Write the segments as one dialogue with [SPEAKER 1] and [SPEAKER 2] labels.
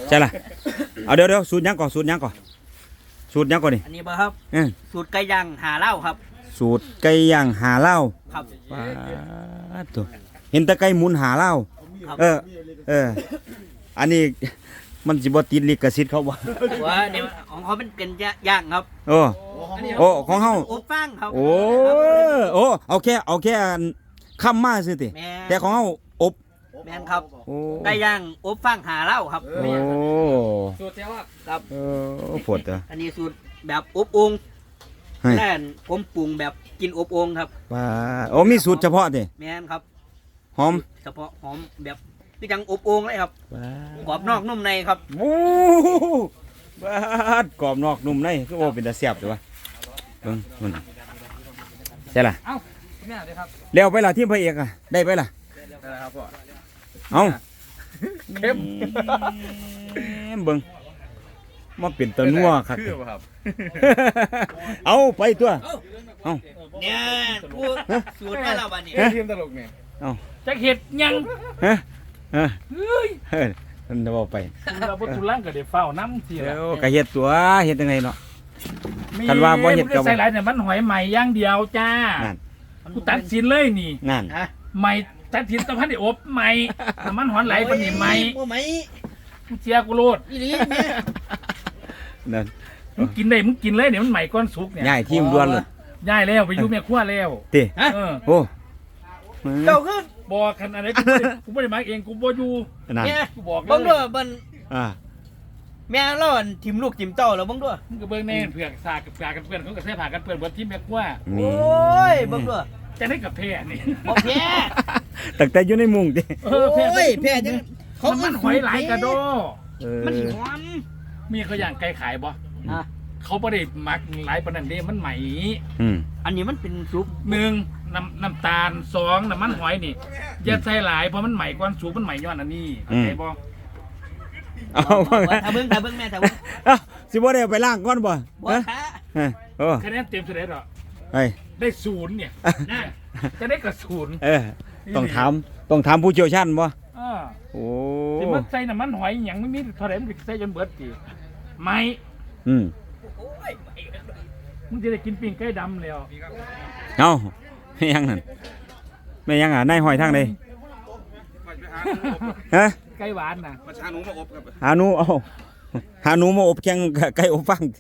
[SPEAKER 1] ใช่ล่ะเอาเดี๋ยวสูตรยังก่อนสูตรยังก่อนนี่
[SPEAKER 2] อันนี้บ่ครับสูตรไก่ย่างหาเหล้าครับ
[SPEAKER 1] สูตรไก่ย่างหาเหล้า
[SPEAKER 2] ครับ
[SPEAKER 1] ว้าตัวเห็นแต่ไก่หมุนหาเหล้าอันนี้มันสิบ่ติดลิขสิทธิ์เขาบ่
[SPEAKER 2] ว่าเนี่ยของเขาเป็นย่างครับ
[SPEAKER 1] โอ้ของเฮา
[SPEAKER 2] อบฟางครับ
[SPEAKER 1] โอ้เอาแค่ค่ำมาซื่อติแต่ของเฮาอบ
[SPEAKER 2] แม่นครับไก่ย่างอบฟางหาเหล้าครับ
[SPEAKER 1] โอ้
[SPEAKER 2] สูตรเจ้าครับ
[SPEAKER 1] ปวด
[SPEAKER 2] อันนี้สูตรแบบอบโอ่งแล่นผมปรุงแบบกินอบโอ่งครับ
[SPEAKER 1] ว้ามีสูตรเฉพาะติ
[SPEAKER 2] แม่นครับ
[SPEAKER 1] หอม
[SPEAKER 2] เฉพาะหอมแบบคือจังอบโอ่งเลยครับกรอบนอกนุ่มในครับ
[SPEAKER 1] โอ้บ้ากรอบนอกนุ่มในคือโอ้เป็นตาแซ่บตัวเบิ่งมันใช่ล่ะ
[SPEAKER 2] เอ้าแม่เด้ครับ
[SPEAKER 1] เร็วไปล่ะทีมพระเอกอ่ะได้ไปล่ะ
[SPEAKER 2] ได้ครับพ่อ
[SPEAKER 1] เอ้า
[SPEAKER 2] เข้ม
[SPEAKER 1] เบิ่งมาเป็นตะนัวครับเอาไปตัวเอา
[SPEAKER 2] เนี่ยพูดสูตรมาแล้วบัดนี้
[SPEAKER 3] ทีมตลกเนี่ย
[SPEAKER 1] เอา
[SPEAKER 2] จักเฮ็ดยัง
[SPEAKER 1] เฮ้ยมันจะบอกไป
[SPEAKER 2] เราบ่ทุลังก็ได้เฝ้าน้ำสิ
[SPEAKER 1] ล่ะก็เฮ็ดตัวเฮ็ดจังได๋เนาะคันว่าบ่เฮ็ดก็
[SPEAKER 2] ใส่หลายเนี่ยมันหอยใหม่อย่างเดียวจ้านั่นกูตัดสินเลยนี่
[SPEAKER 1] นั่น
[SPEAKER 2] ใหม่ตัดสินตะพันได้อบใหม่มันหอนไหลปานนี้ใหม่บ่ใหม่กูเสียกูโลดอีหลีแม่นั่นมึงกินได้มึงกินเลยเนี่ยมันใหม่ก้อนสุกเนี่ย
[SPEAKER 1] ย้ายทีมด่วนเลย
[SPEAKER 2] ย้ายแล้วไปอยู่แม่ครัวแล้ว
[SPEAKER 1] ติโอ้
[SPEAKER 2] เจ้าคือบอกขนาดไหนกูไม่ได้มาเองกูบ่อยู่เนี่ยกูบอกเลยบังด้วยมันแม่เล่าทีมลูกทีมเต้าแล้วบังด้วยมึงก็เบิ่งแน่เผือกสากกับกากันเพื่อนเขาก็ใส่ผ่ากันเพื่อนบนทีมแม่ครัวโอ้ยบังด้วยจะได้กับแพ้นี่บ่แพ้
[SPEAKER 1] ตั้งแต่อยู่ในมุ้งดิ
[SPEAKER 2] แพ้จังเขามันหอยไหลกระโดมันหอมมีเขาอย่างไก่ขายบ่เขาไม่ได้หมักหลายปานนั้นเด้มันใหม่อันนี้มันเป็นซุป1น้ำตาล2น้ำมันหอยนี่อย่าใส่หลายเพราะมันใหม่กว่าซุปมันใหม่ย้อนอันนี้เข้าใจบ่
[SPEAKER 1] เอา
[SPEAKER 2] ถ้าเบิ่งแม่ถ้าเบิ่ง
[SPEAKER 1] สิบ่ได้ไปล้างก่อนบ่
[SPEAKER 2] คะแนนเต็มเท่าไหร่ดอกได้0เนี่ยจะได้กับ0
[SPEAKER 1] ต้องถามผู้เชี่ยวชาญบ่โอ้
[SPEAKER 2] สิมันใส่น้ำมันหอยหยังไม่มีเท่าไหร่มันใส่จนเบิดติไม่มึงจะได้กินปิ้งไก่ดำแล้ว
[SPEAKER 1] เอาไม่ยังนั่นไม่ยังนายหอยทางใดฮะ
[SPEAKER 2] ไก่หวานน่ะ
[SPEAKER 3] หาหนูมาอบครับ
[SPEAKER 1] หาหนูมาอบแข่งไก่อบฟาง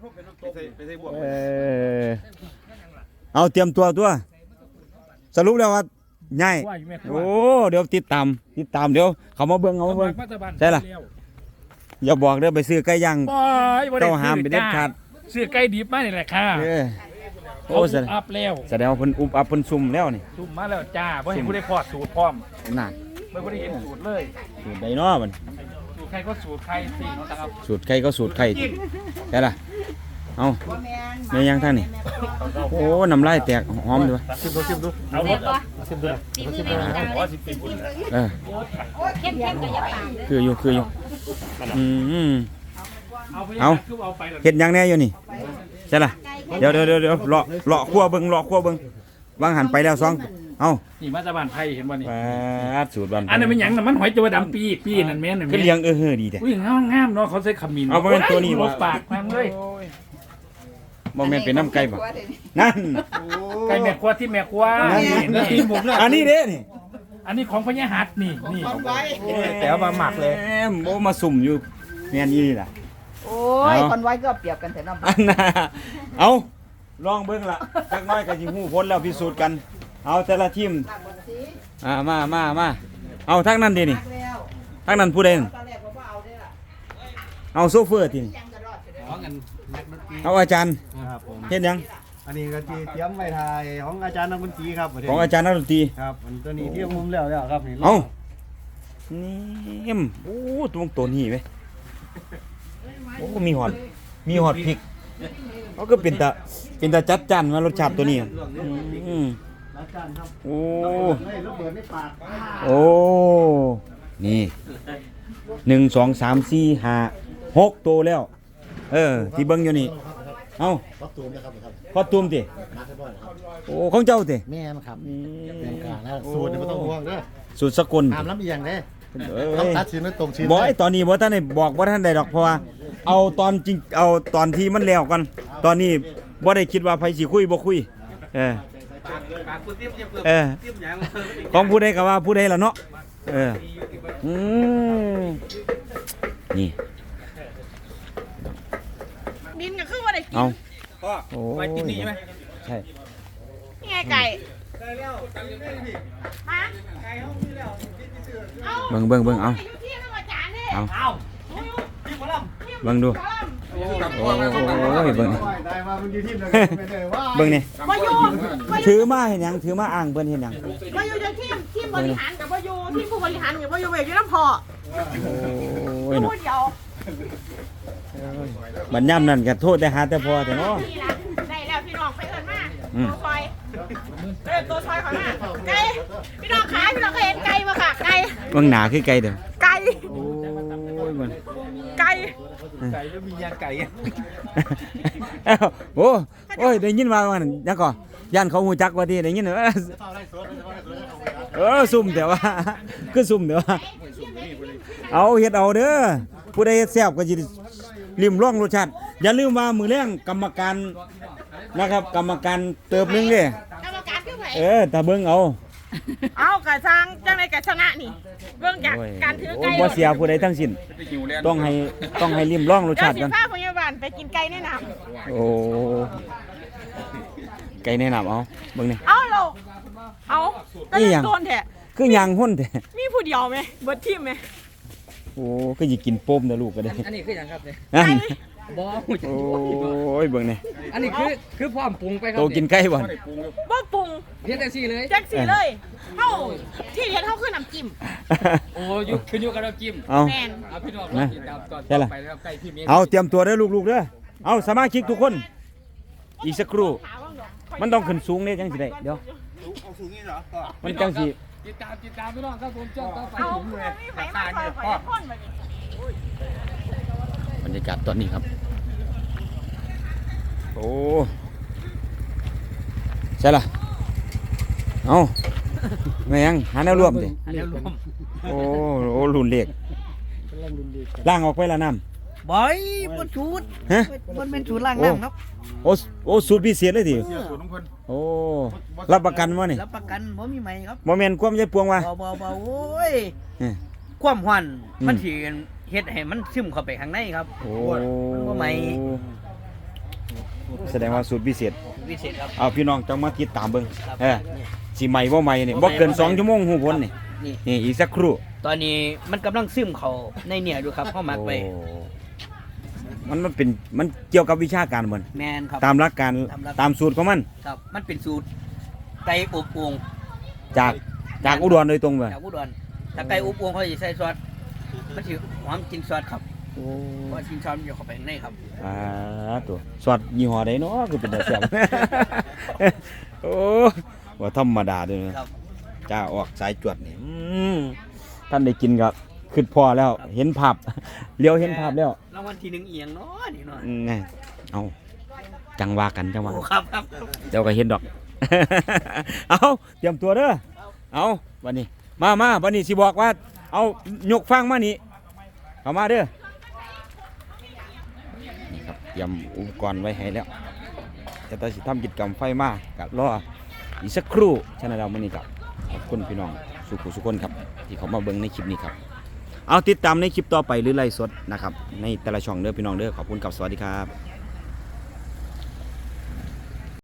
[SPEAKER 1] เอาเตรียมตัวสรุปแล้วว่าง่ายโอ้เดี๋ยวติดตามเดี๋ยวเขามาเบิ่งใช่ล่ะอย่าบอกเด้อไปซื้อไก่ย่างเจ้าห้ามไปเด็ดขาด
[SPEAKER 2] ซื้อไก่ดิบมานี่แหละค่ะ
[SPEAKER 1] โอ้
[SPEAKER 2] อัพแล้ว
[SPEAKER 1] แสดงว่าเพิ่นอุบอัพเพิ่นซุ่มแล้วนี่
[SPEAKER 2] ซุ่มมาแล้วจ้าบ่เห็นผู้ได้พอดสูตรพร้อม
[SPEAKER 1] นั่น
[SPEAKER 2] บ่ได้เห็นสูตรเลย
[SPEAKER 1] สูตรใดเนาะมัน
[SPEAKER 2] สูตรใครก็สูตรใครสินะครับ
[SPEAKER 1] สูตรใครก็สูตรใครใช่ล่ะเอาแม่ยังท่านนี่โอ้น้ำลายแตกหอมดู
[SPEAKER 2] ชิมดูเอาหมดชิมดูเข้ม
[SPEAKER 1] ก็อย่าปากคืออยู่เอาเห็ดยังแน่อยู่นี่ใช่ล่ะเดี๋ยวเลาะขั้วเบิ้งวางหันไปแล้วเอา
[SPEAKER 2] นี่มาจากบ้านไผ่เห็นบ่นี่
[SPEAKER 1] สูตรบ้าน
[SPEAKER 2] อันนั้นมันหยังมันหอยจัวดำปีนั่นแม่น
[SPEAKER 1] ก็เลี้ยงดีแต่
[SPEAKER 2] อุ้ยงามเนาะเขาใส่ขมิ้น
[SPEAKER 1] เอาไปเป็นตัวนี้
[SPEAKER 2] บ่ปากแม่งเลย
[SPEAKER 1] บ่แม่นเป็นน้ำไก่บ่นั่น
[SPEAKER 2] ไก่แม่ครัวที่แม่ครัว
[SPEAKER 1] อันนี้เด้นี่
[SPEAKER 2] อันนี้ของพญาหัดนี่
[SPEAKER 1] แต่ว่ามาหมักเลยโอ้มาสุ่มอยู่แม่นนี่ล่ะ
[SPEAKER 4] โอ้ยคนไว้ก็เปรียบกันแต่น้
[SPEAKER 1] ำเอาลองเบิ้งละจักน้อยกับยิงหูพ้นแล้วพิสูจน์กันเอาแต่ละทีมมาเอาทั้งนั้นดินี่ทั้งนั้นผู้ใดเอาโซเฟอร์ทีนี่เอาอาจารย์เห็นยัง
[SPEAKER 3] อันนี้ก็เตรียมไว้ทายของอาจารย์นักดนตรีครับ
[SPEAKER 1] ของอาจารย์นักดนตรี
[SPEAKER 3] ครับตัวนี้ที่มุมแล้วครับนี่
[SPEAKER 1] เอานี่โอ้ตัวนี้ไหมโอ้มีหอดพริกเขาก็เป็นตาจัดจ้านมารสชาติตัวนี้โอ้นี่1 2 3 4 5 6ตัวแล้วที่เบิ้งอยู่นี่เอา
[SPEAKER 3] คอสตูมนะครับ
[SPEAKER 1] คอสตูมติโอ้ของเจ้าติ
[SPEAKER 3] แม่ครับแม่กาแล้วสูตรไม่ต้องห่วงเด้อ
[SPEAKER 1] สูตรสกุล
[SPEAKER 3] ห้ามล้ำเอียงเด้ต้องตัดสินด้วยตรงชิ้น
[SPEAKER 1] บ่ไอ้ตอนนี้บ่ทันได้บอกบ่ทันได้ดอกเพราะว่าเอาตอนจริงเอาตอนที่มันแล้วก่อนตอนนี้บ่ได้คิดว่าไผสิคุยบ่คุยเออของผู้ใดก็ว่าผู้ใดล่ะเนาะเออนี่
[SPEAKER 5] ดินก็คือว่าได้กิน
[SPEAKER 1] เอา
[SPEAKER 2] พ่อไปกินนี่ใช่ไหม
[SPEAKER 1] ใช่
[SPEAKER 5] นี่ไงไก่ฮะเอา
[SPEAKER 1] เบิ่งเอา
[SPEAKER 5] อยู่ที่นั่นอาจารย์นี่
[SPEAKER 1] เอา
[SPEAKER 2] เอา
[SPEAKER 1] เบิ่งดูโอ้ยเบิ่งนี่
[SPEAKER 3] ได้มามันอยู่ที่ไหนไม่ได้ว่า
[SPEAKER 1] เบิ่งนี่
[SPEAKER 5] วายู
[SPEAKER 1] ถือมาเห็นหยังถือมาอ้างเพิ่นเห็นหยัง
[SPEAKER 5] วายูจะทีมบริหารกับวายูทีมผู้บริหารกับวายูเวกอยู่น้ำพอ
[SPEAKER 1] โอ้ย
[SPEAKER 5] พู
[SPEAKER 1] เนาะ
[SPEAKER 5] ดเดียว
[SPEAKER 1] บัดย่ำนั่นก็โทษแต่หาแต่พอแต่เนาะ
[SPEAKER 5] นี่นะได้แล้วพี่น้องไปเอิญมา
[SPEAKER 1] อืม
[SPEAKER 5] ตัวซอยตัวซอยขอมาไก่พี่น้องขาพี่น้องเคยเห็นไก่มาค่ะไก่
[SPEAKER 1] เบิ่งหนาคือไก่เด้อ
[SPEAKER 5] ไก่
[SPEAKER 1] โอ้ยมัน
[SPEAKER 5] ไก่
[SPEAKER 2] ไก่ก็มียางไก่
[SPEAKER 1] เอ้าโอ้ยได้ยินว่ามันยังก่อย่านเขาฮู้จักว่าที่ได้ยินซุ่มแต่ว่าคือซุ่มแต่ว่าเอาเฮ็ดเอาเด้อผู้ใดเฮ็ดแซ่บก็สิริมร่องรสชาติอย่าลืมว่ามื้อแลงกรรมการนะครับกรรมการเติบหนึงเด้
[SPEAKER 5] กรรมการคือไผ
[SPEAKER 1] ถ้าเบิ่งเอา
[SPEAKER 5] เอากระซังจังไดกระชนะนี่เรื่องจากการถือ
[SPEAKER 1] โอ้
[SPEAKER 5] ไก่
[SPEAKER 1] บ่เสียผู้ใดทั้งสิ้นต้องให้ริมร่องรส
[SPEAKER 5] เจ้า
[SPEAKER 1] ชาติ
[SPEAKER 5] สิ
[SPEAKER 1] กัน
[SPEAKER 5] พาพยาบาลไปกินไก่แนะน
[SPEAKER 1] โอ้ไก่แนะนำเอาเบิ่งนี่
[SPEAKER 5] ำเอาเราเอาก็
[SPEAKER 1] นี่
[SPEAKER 5] เล่
[SPEAKER 1] หยั
[SPEAKER 5] น
[SPEAKER 1] ง
[SPEAKER 5] โดนแท้
[SPEAKER 1] คือยางหุ่นแท้
[SPEAKER 5] มีผู้เดียวไหมเบิดทีมไหม
[SPEAKER 1] โอ้ก็สิกินโปมนะลูกก็ได้
[SPEAKER 2] อันนี้คืออย่างครับเนี่ย
[SPEAKER 1] นั่น
[SPEAKER 2] บ่
[SPEAKER 1] โอ้ยเบิ่งนี่
[SPEAKER 2] อันนี้คือพร้อมปรุงไปครั
[SPEAKER 1] โตกินไก่บ่
[SPEAKER 5] บ่ปรุง
[SPEAKER 2] เฮ็ดได้สิเลย
[SPEAKER 5] แจ็คสีเลยเฮาที่เฮ็ดเฮาคือน้ำจิ้ม
[SPEAKER 2] โอ้ยุขึ้นอยู่กับน้ำจิ้ม
[SPEAKER 1] เอา
[SPEAKER 5] แมน
[SPEAKER 2] เอาพี่น้องติดตามตอนไปแล้วไก่พี่เมย์
[SPEAKER 1] เอาเตรียมตัวเด้อลูกๆเด้อเอาสมาชิกทุกคน อีกสักครู่
[SPEAKER 5] ถามว่าดอก
[SPEAKER 1] มันต้องขึ้นสูงเนี่ยจังสิได้เดี๋ยวมันจังสิ
[SPEAKER 2] ติดตามพี่น้องครับผมจ้องต่อไป
[SPEAKER 5] เอา
[SPEAKER 2] ผมเลย
[SPEAKER 5] มีไผมาซอยข่อยคนบัดนี้
[SPEAKER 1] บรรยากาศตอนนี้ครับ โอ้ใช่ล่ะเอาแม่ยังหาแนวร่วมดิ
[SPEAKER 2] อันนี้รวม
[SPEAKER 1] โอ้รุ่นเล็กล่างออกไปละน้
[SPEAKER 4] บอยบนชุด
[SPEAKER 1] ำฮะ
[SPEAKER 4] บนเป็นชุดล่างน้ำครับ
[SPEAKER 1] โอ้สูตรพิเศษเลยดิโอ้รับประกันวะนี่
[SPEAKER 4] รับประกันบ่มีไหมครับ
[SPEAKER 1] โมเมนต์ความใจปวงวะ
[SPEAKER 4] เบาโอ้ย
[SPEAKER 1] อืม
[SPEAKER 4] ความหวัน
[SPEAKER 1] อืม
[SPEAKER 4] มันสิเฮ็ดให้มันซึมเข้าไปข้างในครับ
[SPEAKER 1] โอ้
[SPEAKER 4] มันบ่ไหม
[SPEAKER 1] แสดงว่าสูตรพิเศษ
[SPEAKER 4] วิเศษครับ
[SPEAKER 1] เอาพี่น้องจังมาติดตามเบิ่ง
[SPEAKER 4] ครับ
[SPEAKER 1] สิใหม่บ่ใหม่นี่บ่เกิน2ชั่วโมงหูพ้นนี่
[SPEAKER 4] นี่
[SPEAKER 1] นี่อีกสักครู่
[SPEAKER 4] ตอนนี้มันกำลังซึมเข้าในเนี่ยดูครับเข้ามักไป
[SPEAKER 1] โอ้มันเป็นมันเกี่ยวกับวิชาการบ่น
[SPEAKER 4] แมนครับ
[SPEAKER 1] ตามหลักการ
[SPEAKER 4] ตามหลัก
[SPEAKER 1] ตามสูตรของมัน
[SPEAKER 4] ครับ มันเป็นสูตรไก่อบโอ่ง
[SPEAKER 1] จากอุดรโดยตรงเลย
[SPEAKER 4] จากอุดรถ้าไก่อบโอ่งเขาจะใส่ซอสมันสิหอมกินซอสครับ
[SPEAKER 1] โอ้
[SPEAKER 4] เพราะว่ากินซอสมันจะเข้าไปข้างในครับ
[SPEAKER 1] ตัวสอดยี่ห้อใดเนาะคือเป็นตาแซ่บ โอ้ว่าธรรมดาเด้อนะครับ จ้าออกสายจวดนี่ท่านได้กินก็คิดพอแล้ว เห็นภาพ เลี้ยวเห็นภาพแล้ว
[SPEAKER 4] รางวัลที่หนึ่งเอียงเนาะนี่เนาะ
[SPEAKER 1] นี่เอาจังว่ากันจังว่า
[SPEAKER 4] โอ้ครับครับ
[SPEAKER 1] เดี๋ยวก็เห็นดอก เอาเตรียมตัวเด้อเอาวันนี้มาวันนี้สิบอกว่า เอายกฟังมานี่เข้ามาเด้อนี่ครับเตรียมอุปกรณ์ไว้ให้แล้วแต่ตอนสิทำกิจกรรมไฟมากับรออีกสักครู่ฉะนั้นเรามื่อนี้กับขอบคุณพี่น้องสุขคนครับ ที่เขามาเบิ่งในคลิปนี้ครับ เอาติดตามในคลิปต่อไปหรือไลฟ์สดนะครับในแต่ละช่องเด้อพี่น้องเด้อขอบคุณกับสวัสดีครับ